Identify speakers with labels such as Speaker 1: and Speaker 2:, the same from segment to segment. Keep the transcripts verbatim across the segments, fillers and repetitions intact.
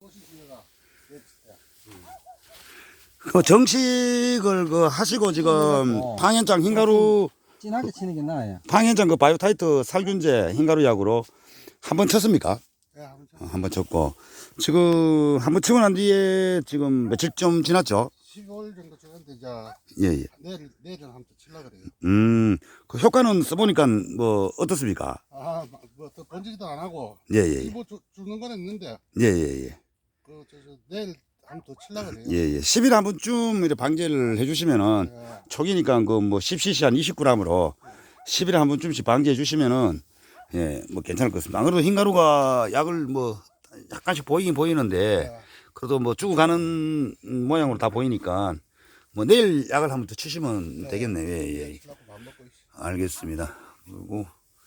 Speaker 1: 그 정식을 그 하시고 지금
Speaker 2: 어.
Speaker 1: 방현장 흰가루
Speaker 2: 진하게 치는 게 나아요.
Speaker 1: 방현장 그 바이오타이트 살균제 흰가루 약으로 한 번 쳤습니까?
Speaker 3: 네, 한번
Speaker 1: 어, 한 번 쳤고 지금 한 번 치고 난 뒤에 지금 며칠 좀 지났죠?
Speaker 3: 십오일 정도 지났는데 이제
Speaker 1: 예, 예.
Speaker 3: 내일 내일은 한번 또 칠라 그래요.
Speaker 1: 음, 그 효과는 써보니까 뭐 어떻습니까?
Speaker 3: 아, 뭐또 번지기도 안 하고
Speaker 1: 예, 예, 예.
Speaker 3: 일부 주, 주는 거는 있는데
Speaker 1: 예, 예, 예.
Speaker 3: 그 저, 저, 내일 한번 또 칠라 그래요.
Speaker 1: 예, 예. 십 일에 한 번쯤 이렇게 방제를 해주시면은
Speaker 3: 예.
Speaker 1: 초기니까 그 뭐 십 씨씨 한 이십 그램으로 십 일에 한 번쯤씩 방제해 주시면은 예, 뭐 괜찮을 것 같습니다. 안 그래도 흰가루가 약을 뭐 약간씩 보이긴 보이는데
Speaker 3: 예.
Speaker 1: 그래도 뭐 죽어가는 모양으로 다 보이니까 뭐 내일 약을 한 번 더 치시면 되겠네요. 예, 예.
Speaker 3: 칠라고 밥 먹고 있어.
Speaker 1: 알겠습니다. 그리고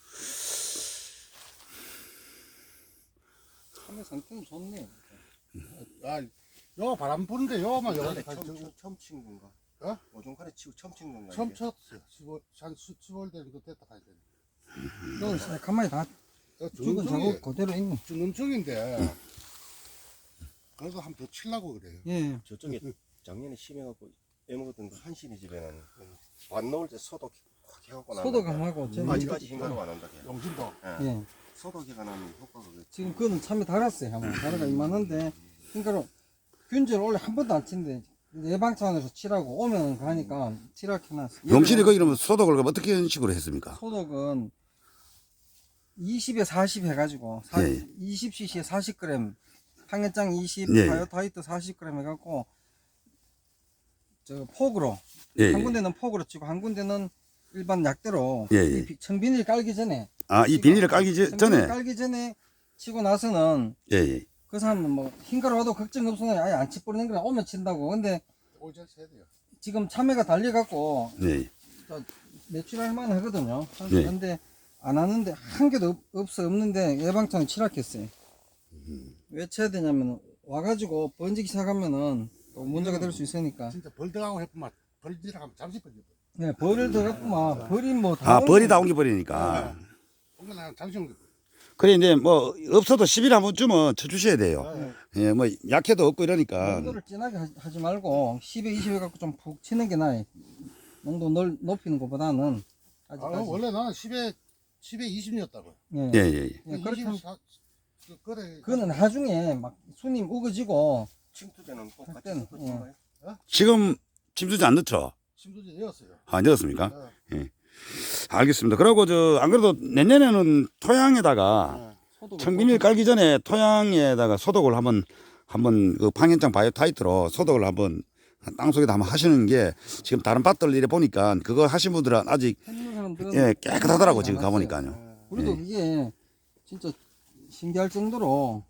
Speaker 2: 참외 상태는 좋네요.
Speaker 3: 아, 요 바람 부는데 요만 요
Speaker 4: 원래
Speaker 3: 가-
Speaker 4: 처음,
Speaker 3: 저-
Speaker 4: 처음, 처음 친 건가?
Speaker 3: 어?
Speaker 4: 오종칼에 치고 처음 친 건가?
Speaker 3: 처음
Speaker 4: 이게?
Speaker 3: 쳤어요. 십오, 한 십오일 되면 됐다 가야 돼.
Speaker 2: 너 가만히 다 죽은
Speaker 3: 중중이
Speaker 2: 자국 그대로 있네.
Speaker 3: 죽는 중인데 그래도 한 번 더 칠라고 그래요.
Speaker 2: 예.
Speaker 4: 저쪽에 작년에 심해갖고 애먹었던 그 한신이 집에는 안 넣을 때 소독 확 해갖고 나는데
Speaker 2: 소독하고 저는
Speaker 4: 아직까지 흰가루가 안 난다. 걔.
Speaker 3: 용진도
Speaker 4: 예.
Speaker 2: 예.
Speaker 4: 소독해가 나면 효과가 그게
Speaker 2: 지금 그거는 참외 달았어요. 한번 달아가 이만한데 그러니까 균제를 원래 한 번도 안 치는데 예방차원에서 치라고 오면 가니까 치라고 해놨어.
Speaker 1: 용실이 거기 그러면 소독을 그럼 어떻게 식으로 했습니까?
Speaker 2: 소독은 이십에 사십 해가지고
Speaker 1: 예, 예.
Speaker 2: 이십 씨씨에 사십 그램 항해장 이십,
Speaker 1: 예, 예.
Speaker 2: 바이오타이트 사십 그램 해갖고 저 폭으로
Speaker 1: 예, 예.
Speaker 2: 한 군데는 폭으로 치고 한 군데는 일반 약대로
Speaker 1: 예, 예.
Speaker 2: 이 비- 청비닐 깔기 전에
Speaker 1: 아, 이 비닐을 깔기 제-
Speaker 2: 청비닐
Speaker 1: 전에
Speaker 2: 깔기 전에 치고 나서는
Speaker 1: 예, 예.
Speaker 2: 그 사람은 뭐 흰가루 와도 걱정 없으면 아예 안 치뿌리는 거라 오면 친다고. 근데
Speaker 3: 오전 세야 돼요.
Speaker 2: 지금 참외가 달려갖고
Speaker 1: 예, 예.
Speaker 2: 매출할 만 하거든요.
Speaker 1: 네.
Speaker 2: 근데 안 하는데 한 개도 없, 없어 없는데 예방차는 칠학했어요. 왜 쳐야 되냐면 와가지고 번지기 시작하면은 또 문제가 될 수 있으니까.
Speaker 3: 진짜 벌떡하고 해보면 벌지랑 하면 잠시 벌지.
Speaker 2: 네, 벌을 더 갖고 막 벌이 뭐다
Speaker 1: 아, 벌이 다 옮겨 버리니까.
Speaker 3: 뭔가 잠시 옮겨.
Speaker 1: 그래 이제 뭐 없어도 십 일에 한 번쯤은 쳐 주셔야 돼요.
Speaker 3: 네.
Speaker 1: 예, 뭐 약해도 없고 이러니까.
Speaker 2: 농도를 진하게 하- 하지 말고 십에 이십에 갖고 좀 푹 치는 게 나아요. 농도 넓, 높이는 것보다는
Speaker 3: 아,
Speaker 2: 아직까지.
Speaker 3: 원래 나는 십에 십에 이십이었다고.
Speaker 2: 예.
Speaker 1: 예, 예, 예.
Speaker 2: 예, 그렇게 하면
Speaker 3: 그래.
Speaker 2: 그거는 나중에 막 손님 우거지고
Speaker 4: 침투제는 꼭 같이
Speaker 2: 그때는,
Speaker 4: 섞어 친 거예요?
Speaker 1: 지금 침수지 안 넣죠?
Speaker 3: 심도지 되었어요.
Speaker 1: 안 넣었습니까?
Speaker 3: 네.
Speaker 1: 알겠습니다. 그리고 저 안 그래도 내년에는 토양에다가
Speaker 3: 네.
Speaker 2: 소독을
Speaker 1: 청비닐 깔기 전에 토양에다가 소독을 한번 한번 그 방현장 바이오타이트로 소독을 한번 땅 속에다 한번 하시는 게 지금 다른 밭들 이래 보니까 그거 하신 분들은 아직
Speaker 2: 해주는 사람들은
Speaker 1: 예, 깨끗하더라고 지금
Speaker 2: 많았어요.
Speaker 1: 가보니까요.
Speaker 2: 우리도
Speaker 1: 예.
Speaker 2: 이게 진짜 신기할 정도로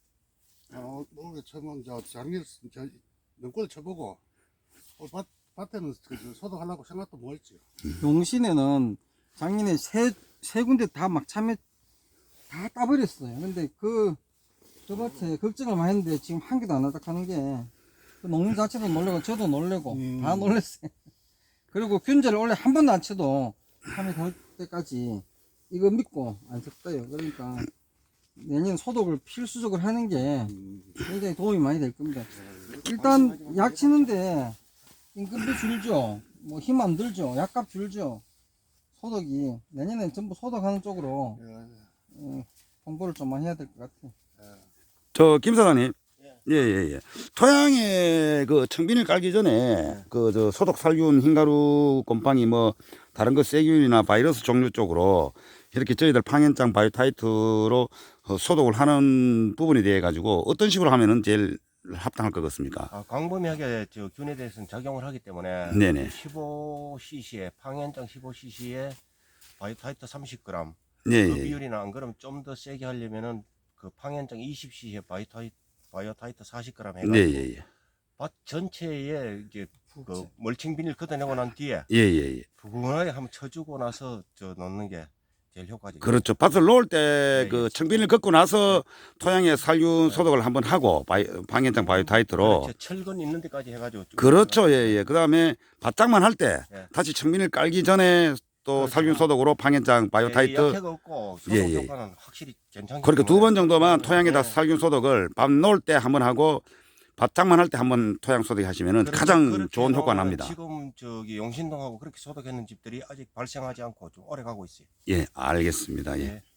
Speaker 3: 어, 모르게 처음 저 작년 저 연꽃을 쳐보고 어, 밭 밭에는 그, 저 소독하려고 생각도 뭐 했지.
Speaker 2: 용신에는 작년에 세, 세 군데 다 막 참외 다 따버렸어요. 근데 그, 저 밭에 걱정을 많이 했는데 지금 한 개도 안 하다 하는 게, 그 농민 자체도 놀래고 저도 놀래고
Speaker 3: 음.
Speaker 2: 다 놀랬어요. 그리고 균제를 원래 한 번도 안 쳐도 참외 달 때까지 이거 믿고 안 쳤어요. 그러니까 내년 소독을 필수적으로 하는 게 굉장히 도움이 많이 될 겁니다. 일단 약 치는데 임금도 줄죠. 뭐 힘 안 들죠. 약값 줄죠. 소독이 내년엔 전부 소독하는 쪽으로
Speaker 3: 예, 예.
Speaker 2: 어, 홍보를 좀 많이 해야 될 것 같아요.
Speaker 1: 저 김 사장님, 예, 예, 예. 토양에 그 청비닐 깔기 전에 그 저 소독 살균 흰가루 곰팡이 뭐 다른 거 세균이나 바이러스 종류 쪽으로 이렇게 저희들 방현장 바이오타이트로 어, 소독을 하는 부분에 대해 가지고 어떤 식으로 하면은 제일 합당할 것 같습니까?
Speaker 4: 아, 광범위하게 저 균에 대해서는 작용을 하기 때문에
Speaker 1: 네네.
Speaker 4: 십오 씨씨에 방현장 십오 씨씨에 바이오타이트 삼십 그램
Speaker 1: 예,
Speaker 4: 그
Speaker 1: 예.
Speaker 4: 비율이나 안 그러면 좀 더 세게 하려면은 그 방현장 이십 씨씨에 바이오타이트 바이오타이트 사십 그램 해가지고
Speaker 1: 네, 예, 예.
Speaker 4: 밭 전체에 이제 그 멀칭 비닐 걷어내고 난 뒤에
Speaker 1: 예, 예, 예.
Speaker 4: 부근하게 한번 쳐주고 나서 저 넣는 게 제일 효과적이에요.
Speaker 1: 그렇죠. 밭을 놓을 때
Speaker 4: 네,
Speaker 1: 그
Speaker 4: 예.
Speaker 1: 청비닐 걷고 나서 토양에 살균 소독을 한번 하고 바이, 방현장 바이오타이트로
Speaker 4: 그렇죠. 철근 있는 데까지 해가지고 쭉
Speaker 1: 그렇죠. 예, 예. 그 다음에 바짝만 할 때
Speaker 4: 예.
Speaker 1: 다시 청비닐 깔기 전에 또
Speaker 4: 그렇죠.
Speaker 1: 살균 소독으로 방해장,
Speaker 4: 예,
Speaker 1: 바이오타이트.
Speaker 4: 약해가 없고 소독
Speaker 1: 예, 예.
Speaker 4: 효과는 확실히 괜찮기
Speaker 1: 그렇게 두 번 정도만
Speaker 4: 예,
Speaker 1: 토양에다
Speaker 4: 예.
Speaker 1: 살균 소독을 밥 넣을 때 한번 하고 바짝만 할 때 한번 토양 소독 하시면은
Speaker 4: 그렇죠.
Speaker 1: 가장
Speaker 4: 그렇게
Speaker 1: 좋은 효과
Speaker 4: 해놓으면
Speaker 1: 납니다.
Speaker 4: 지금 저기 용신동하고 그렇게 소독했는 집들이 아직 발생하지 않고 좀 오래 가고 있어요.
Speaker 1: 예, 알겠습니다. 예.
Speaker 4: 예.